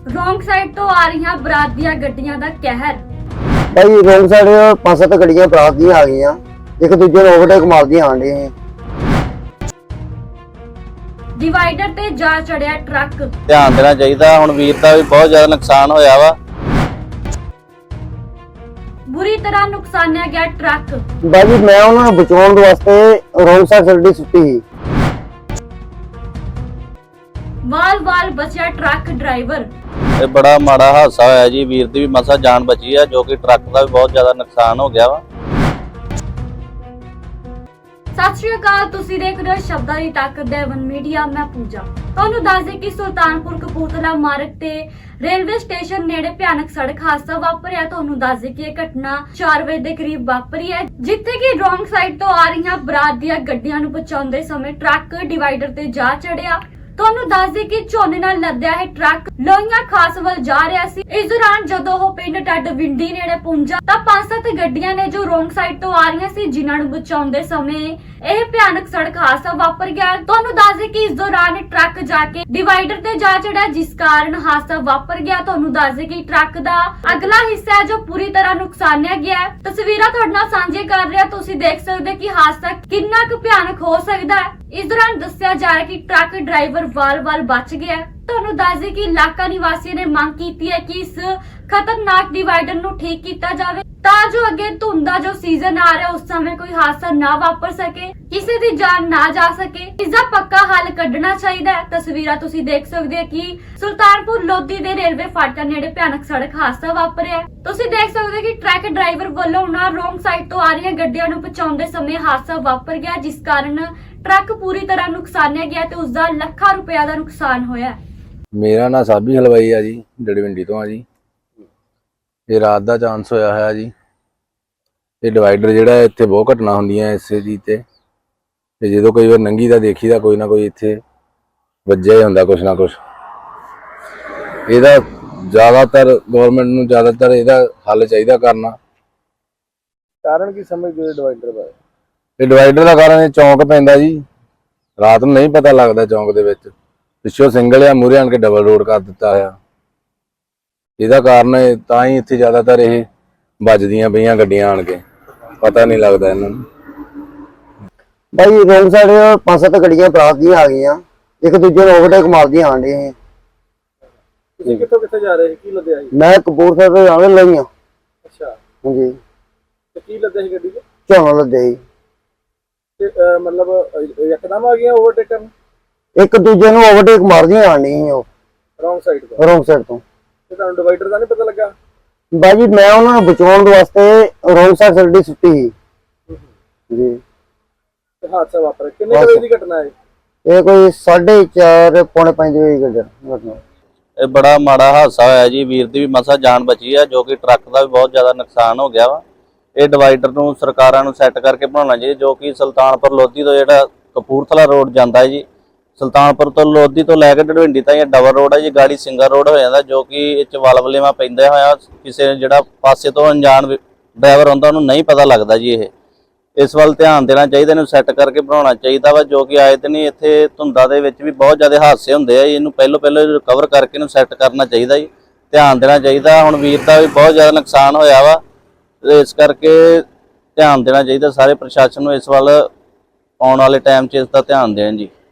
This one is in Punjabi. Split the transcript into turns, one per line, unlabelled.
ਰੋਂਗ ਸਾਈਡ ਤੋਂ ਆ ਰਹੀਆਂ ਬਰਾਤ ਦੀਆਂ ਗੱਡੀਆਂ ਦਾ ਕਹਿਰ।
ਭਾਈ ਰੋਂਗ ਸਾਈਡ 5-7 ਗੱਡੀਆਂ ਬਰਾਤ ਦੀਆਂ ਆ ਗਈਆਂ, ਇੱਕ ਦੂਜੇ ਨੂੰ ਓਵਰਟੇਕ ਮਾਰਦੀਆਂ ਆਣ ਡੀਆਂ।
ਡਿਵਾਈਡਰ ਤੇ ਜਾ ਚੜਿਆ ਟਰੱਕ।
ਧਿਆਨ ਦੇਣਾ ਚਾਹੀਦਾ, ਹੁਣ ਵੀਰ ਦਾ ਵੀ ਬਹੁਤ ਜ਼ਿਆਦਾ ਨੁਕਸਾਨ ਹੋਇਆ ਵਾ।
ਬੁਰੀ ਤਰ੍ਹਾਂ ਨੁਕਸਾਨਿਆ ਗਿਆ ਟਰੱਕ।
ਬਾਜੀ ਮੈਂ ਉਹਨਾਂ ਨੂੰ ਬਚਾਉਣ ਦੇ ਵਾਸਤੇ ਰੋਂਗ ਸਾਈਡ ਸੜਦੀ ਸੁੱਟੀ ਸੀ।
ਵਾਲ ਬਚਿਆ ਟਰੱਕ ਡਰਾਈਵਰ।
ਇਹ ਬੜਾ ਮਾੜਾ ਹਾਦਸਾ ਹੋਇਆ ਜੀ, ਵੀਰ ਦੀ ਵੀ ਮਸਾ ਜਾਨ ਬਚੀ ਆ, ਜੋ ਕਿ ਟਰੱਕ ਦਾ ਵੀ ਬਹੁਤ ਜ਼ਿਆਦਾ ਨੁਕਸਾਨ ਹੋ ਗਿਆ ਵਾ।
ਸਤਿ ਸ਼੍ਰੀ ਅਕਾਲ, ਤੁਸੀਂ ਦੇਖ ਰਹੇ ਹੋ ਸ਼ਬਦਾਂ ਦੀ ਤਾਕਤ ਦੇਵਨ ਮੀਡੀਆ। ਮੈਂ ਪੂਜਾ। ਤੁਹਾਨੂੰ ਦੱਸ ਦੇ ਕਿ ਸੁਲਤਾਨਪੁਰ ਕਪੂਰਥਲਾ ਮਾਰਗ ਤੇ ਰੇਲਵੇ ਸਟੇਸ਼ਨ ਨੇੜੇ ਭਿਆਨਕ ਸੜਕ ਹਾਦਸਾ ਵਾਪਰਿਆ। ਤੁਹਾਨੂੰ ਦੱਸ ਦੇ ਕਿ ਇਹ ਘਟਨਾ 4 ਵਜੇ ਦੇ ਕਰੀਬ ਵਾਪਰੀ ਹੈ, ਜਿੱਥੇ ਕਿ ਰੋਂਗ ਸਾਈਡ ਤੋਂ ਆ ਰਹੀਆਂ ਬਰਾਤ ਦੀਆਂ ਗੱਡੀਆਂ ਨੂੰ ਬਚਾਉਂਦੇ ਸਮੇਂ ਟਰੱਕ ਡਿਵਾਈਡਰ ਤੇ ਜਾ ਚੜਿਆ। ਤੁਹਾਨੂੰ ਦੱਸ ਦੇ ਕਿ ਝੋਨੇ ਨਾਲ ਲੱਦਿਆ ਇਹ ਟਰੱਕ ਲੋਹੀਆਂ ਖਾਸ ਵੱਲ ਜਾ ਰਿਹਾ ਸੀ। ਇਸ ਦੌਰਾਨ ਜਦੋਂ ਉਹ ਪਿੰਡ ਟੱਡ ਵਿੰਡੀ ਨੇੜੇ ਪਹੁੰਚਾ ਤਾਂ 5-7 ਗੱਡੀਆਂ ਨੇ ਜੋ ਰੋਂਗ ਸਾਈਡ ਤੋਂ ਆ ਰਹੀਆਂ ਸੀ, ਜਿਨ੍ਹਾਂ ਨੂੰ ਬਚਾਉਂਦੇ ਸਮੇਂ ਇਹ ਭਿਆਨਕ ਸੜਕ ਹਾਦਸਾ ਵਾਪਰ ਗਿਆ। ਤੁਹਾਨੂੰ ਦੱਸ ਦੇ ਕਿ ਇਸ ਦੌਰਾਨ ਟਰੱਕ ਜਾ ਕੇ ਡਿਵਾਈਡਰ ਤੇ ਜਾ ਚੜਿਆ, ਜਿਸ ਕਾਰਨ ਹਾਦਸਾ ਵਾਪਰ ਗਿਆ। ਤੁਹਾਨੂੰ ਦੱਸ ਦੇ ਕਿ ਟਰੱਕ ਦਾ ਅਗਲਾ ਹਿੱਸਾ ਹੈ ਜੋ ਪੂਰੀ ਤਰ੍ਹਾਂ ਨੁਕਸਾਨਿਆ ਗਿਆ ਹੈ। ਤਸਵੀਰਾਂ ਤੁਹਾਡੇ ਨਾਲ ਸਾਂਝੇ ਕਰ ਰਿਹਾ, ਤੁਸੀਂ ਦੇਖ ਸਕਦੇ ਕਿ ਹਾਦਸਾ ਕਿੰਨਾ ਕੁ ਭਿਆਨਕ ਹੋ ਸਕਦਾ ਹੈ। ਇਸ ਦੌਰਾਨ ਦੱਸਿਆ ਜਾ ਰਿਹਾ ਕਿ ਟਰੱਕ ਡਰਾਈਵਰ ਵਾਲ ਬਚ ਗਿਆ। ਤੁਹਾਨੂੰ ਦੱਸ ਦੇ ਕਿ ਇਲਾਕਾ ਨਿਵਾਸੀਆਂ ਨੇ ਮੰਗ ਕੀਤੀ ਹੈ ਕਿ ਇਸ ਖਤਰਨਾਕ ਡਿਵਾਈਡਰ ਨੂੰ ਠੀਕ ਕੀਤਾ ਜਾਵੇ, ਤਾਂ ਜੋ ਅੱਗੇ ਧੁੰਦ ਦਾ ਜੋ ਸੀਜ਼ਨ ਆ ਰਿਹਾ ਉਸ ਸਮੇਂ ਕੋਈ ਹਾਦਸਾ ਨਾ ਵਾਪਰ ਸਕੇ, ਕਿਸੇ ਦੀ ਜਾਨ ਨਾ ਜਾ ਸਕੇ। ਇਸ ਦਾ ਪੱਕਾ ਹੱਲ ਕੱਢਣਾ ਚਾਹੀਦਾ ਹੈ। ਤਸਵੀਰਾਂ ਤੁਸੀਂ ਦੇਖ ਸਕਦੇ ਹੋ ਕਿ ਸੁਲਤਾਨਪੁਰ ਲੋਧੀ ਦੇ ਰੇਲਵੇ ਫਾਟਕ ਨੇੜੇ ਭਿਆਨਕ ਸੜਕ ਹਾਦਸਾ ਵਾਪਰਿਆ। ਤੁਸੀਂ ਦੇਖ ਸਕਦੇ ਹੋ ਕਿ ਟਰੱਕ ਡਰਾਈਵਰ ਵੱਲੋਂ ਉਹਨਾਂ ਰੋਂਗ ਸਾਈਡ ਤੋਂ ਆ ਰਹੀਆਂ ਗੱਡੀਆਂ ਨੂੰ ਬਚਾਉਂਦੇ ਸਮੇਂ ਹਾਦਸਾ ਵਾਪਰ ਗਿਆ, ਜਿਸ ਕਾਰਨ ਟਰੱਕ ਪੂਰੀ ਤਰ੍ਹਾਂ ਨੁਕਸਾਨਿਆ ਗਿਆ ਤੇ ਉਸ ਦਾ ਲੱਖਾਂ ਰੁਪਏ ਦਾ ਨੁਕਸਾਨ ਹੋਇਆ।
ਮੇਰਾ ਨਾਂ ਸਾਬੀ ਹਲਵਾਈ ਆ ਜੀ, ਡੜਵਿੰਡੀ ਤੋਂ ਆ ਜੀ। ਇਹ ਰਾਤ ਦਾ ਚਾਂਸ ਹੋਇਆ ਹੋਇਆ ਜੀ। ਇਹ ਡਿਵਾਈਡਰ ਜਿਹੜਾ ਇੱਥੇ ਬਹੁਤ ਘਟਨਾ ਹੁੰਦੀਆਂ ਇਸੇ ਜੀ ਤੇ ਜਦੋਂ ਕਈ ਵਾਰ ਨੰਗੀ ਦਾ ਦੇਖੀਦਾ ਕੋਈ ਨਾ ਕੋਈ ਇੱਥੇ ਵੱਜਿਆ ਹੀ ਹੁੰਦਾ ਕੁਛ ਨਾ ਕੁਛ। ਇਹਦਾ ਜ਼ਿਆਦਾਤਰ ਗਵਰਨਮੈਂਟ ਨੂੰ ਜ਼ਿਆਦਾਤਰ ਇਹਦਾ ਹੱਲ ਚਾਹੀਦਾ ਕਰਨਾ।
ਕਾਰਨ ਕੀ ਸਮਝਦੇ ਡਿਵਾਈਡਰ ਬਾਰੇ?
ਇਹ ਡਿਵਾਈਡਰ ਦਾ ਕਾਰਨ ਇਹ ਚੌਂਕ ਪੈਂਦਾ ਜੀ, ਰਾਤ ਨੂੰ ਨਹੀਂ ਪਤਾ ਲੱਗਦਾ ਚੌਂਕ ਦੇ ਵਿੱਚ। ਪਿੱਛੋਂ ਸਿੰਗਲ ਆ, ਮੂਹਰੇ ਆਣ ਕੇ ਡਬਲ ਰੋਡ ਕਰ ਦਿੱਤਾ ਹੋਇਆ। ਇਹਦਾ ਕਾਰਨ ਤਾਂ ਹੀ ਇੱਥੇ ਜ਼ਿਆਦਾਤਰ ਇਹ ਵੱਜਦੀਆਂ ਪਈਆਂ ਗੱਡੀਆਂ ਆਣ ਕੇ, ਪਤਾ ਨਹੀਂ ਲੱਗਦਾ ਇਹਨਾਂ ਨੂੰ।
ਭਾਈ ਰੋਂਗ ਸਾਈਡ 5-7 ਗੱਡੀਆਂ ਬਰਾਤ ਦੀਆਂ ਆ ਗਈਆਂ, ਇੱਕ ਦੂਜੇ ਨੂੰ ਓਵਰਟੇਕ ਮਾਰਦੀਆਂ ਆਣ ਡੀਆਂ।
ਤੁਸੀਂ ਕਿੱਥੇ ਜਾ ਰਹੇ ਸੀ? ਕੀ ਲੱਦਿਆ ਸੀ?
ਮੈਂ ਕਪੂਰਥਲੇ ਤੋਂ ਜਾਣ ਲਈਆਂ।
ਅੱਛਾ,
ਹਾਂਜੀ।
ਤੇ ਕੀ ਲੱਦਿਆ ਸੀ ਗੱਡੀ 'ਚ?
ਝੋਨਾ ਲੱਦਿਆ ਜੀ।
ਤੇ ਮਤਲਬ ਇੱਕਦਮ ਆ ਗਈਆਂ ਓਵਰਟੇਕ ਕਰਨ?
ਇੱਕ ਦੂਜੇ ਨੂੰ ਓਵਰਟੇਕ ਮਾਰਦੀਆਂ ਆਣ ਡੀਆਂ ਉਹ
ਰੌਂਗ ਸਾਈਡ ਤੋਂ।
ਰੋਂਗ ਸਾਈਡ ਤੋਂ।
ਤੇ ਤੁਹਾਨੂੰ ਡਿਵਾਈਡਰ ਦਾ ਨਹੀਂ ਪਤਾ ਲੱਗਾ?
ਬਾਜੀ ਮੈਂ ਉਹਨਾਂ ਨੂੰ ਬਚਾਉਣ ਦੇ ਵਾਸਤੇ ਰੋਂਗ ਸਾਈਡ ਸੜਦੀ ਸੁੱਟੀ ਸੀ ਜੀ।
ਤੇ ਹਾਦਸਾ ਵਾਪਰਿਆ ਕਿੰਨੇ ਵਜੇ ਦੀ ਘਟਨਾ ਹੈ?
ਇਹ ਕੋਈ 4:30 ਪੌਣੇ 5 ਵਜੇ ਦੀ ਘਟਨਾ।
ਇਹ ਬੜਾ ਮਾੜਾ ਹਾਦਸਾ ਹੋਇਆ ਜੀ, ਵੀਰ ਦੀ ਵੀ ਮਸਾ ਜਾਨ ਬਚੀ ਆ, ਜੋ ਕਿ ਟਰੱਕ ਦਾ ਵੀ ਬਹੁਤ ਜ਼ਿਆਦਾ ਨੁਕਸਾਨ ਹੋ ਗਿਆ ਵਾ। ਇਹ ਡਿਵਾਈਡਰ ਨੂੰ ਸਰਕਾਰਾਂ ਨੂੰ ਸੈੱਟ ਕਰਕੇ ਬਣਾਉਣਾ ਚਾਹੀਦਾ, ਜੋ ਕਿ ਸੁਲਤਾਨਪੁਰ ਲੋਧੀ ਤੋਂ ਜਿਹੜਾ ਕਪੂਰਥਲਾ ਰੋਡ ਜਾਂਦਾ ਹੈ ਜੀ, ਸੁਲਤਾਨਪੁਰ ਤੋਂ ਲੋਧੀ ਤੋਂ ਲੈ ਕੇ ਡੜਵਿੰਡੀ ਤਾਈਂ ਡਬਲ ਰੋਡ ਹੈ ਜੀ, ਗਾੜੀ ਸਿੰਗਲ ਰੋਡ ਹੋ ਜਾਂਦਾ, ਜੋ ਕਿ ਇਹ 'ਚ ਵਲਵਲੇਵਾ ਪੈਂਦਾ ਹੋਇਆ ਕਿਸੇ ਜਿਹੜਾ ਪਾਸੇ ਤੋਂ ਅਣਜਾਣ ਡਰਾਈਵਰ ਹੁੰਦਾ ਉਹਨੂੰ ਨਹੀਂ ਪਤਾ ਲੱਗਦਾ ਜੀ। ਇਹ ਇਸ ਵੱਲ ਧਿਆਨ ਦੇਣਾ ਚਾਹੀਦਾ, ਇਹਨੂੰ ਸੈੱਟ ਕਰਕੇ ਬਣਾਉਣਾ ਚਾਹੀਦਾ ਵਾ, ਜੋ ਕਿ ਆਏ ਦਿਨ ਇੱਥੇ ਧੁੰਦਾਂ ਦੇ ਵਿੱਚ ਵੀ ਬਹੁਤ ਜ਼ਿਆਦਾ ਹਾਦਸੇ ਹੁੰਦੇ ਆ। ਇਹਨੂੰ ਪਹਿਲੋਂ ਰਿਕਵਰ ਕਰਕੇ ਇਹਨੂੰ ਸੈੱਟ ਕਰਨਾ ਚਾਹੀਦਾ ਜੀ, ਧਿਆਨ ਦੇਣਾ ਚਾਹੀਦਾ। ਹੁਣ ਵੀਰ ਦਾ ਵੀ ਬਹੁਤ ਜ਼ਿਆਦਾ ਨੁਕਸਾਨ ਹੋਇਆ ਵਾ, ਇਸ ਕਰਕੇ ਧਿਆਨ ਦੇਣਾ ਚਾਹੀਦਾ ਸਾਰੇ ਪ੍ਰਸ਼ਾਸਨ ਨੂੰ ਇਸ ਵੱਲ। ਆਉਣ ਵਾਲੇ ਟਾਈਮ 'ਚ ਇਸ ਦਾ ਧਿਆਨ ਦੇਣ ਜੀ।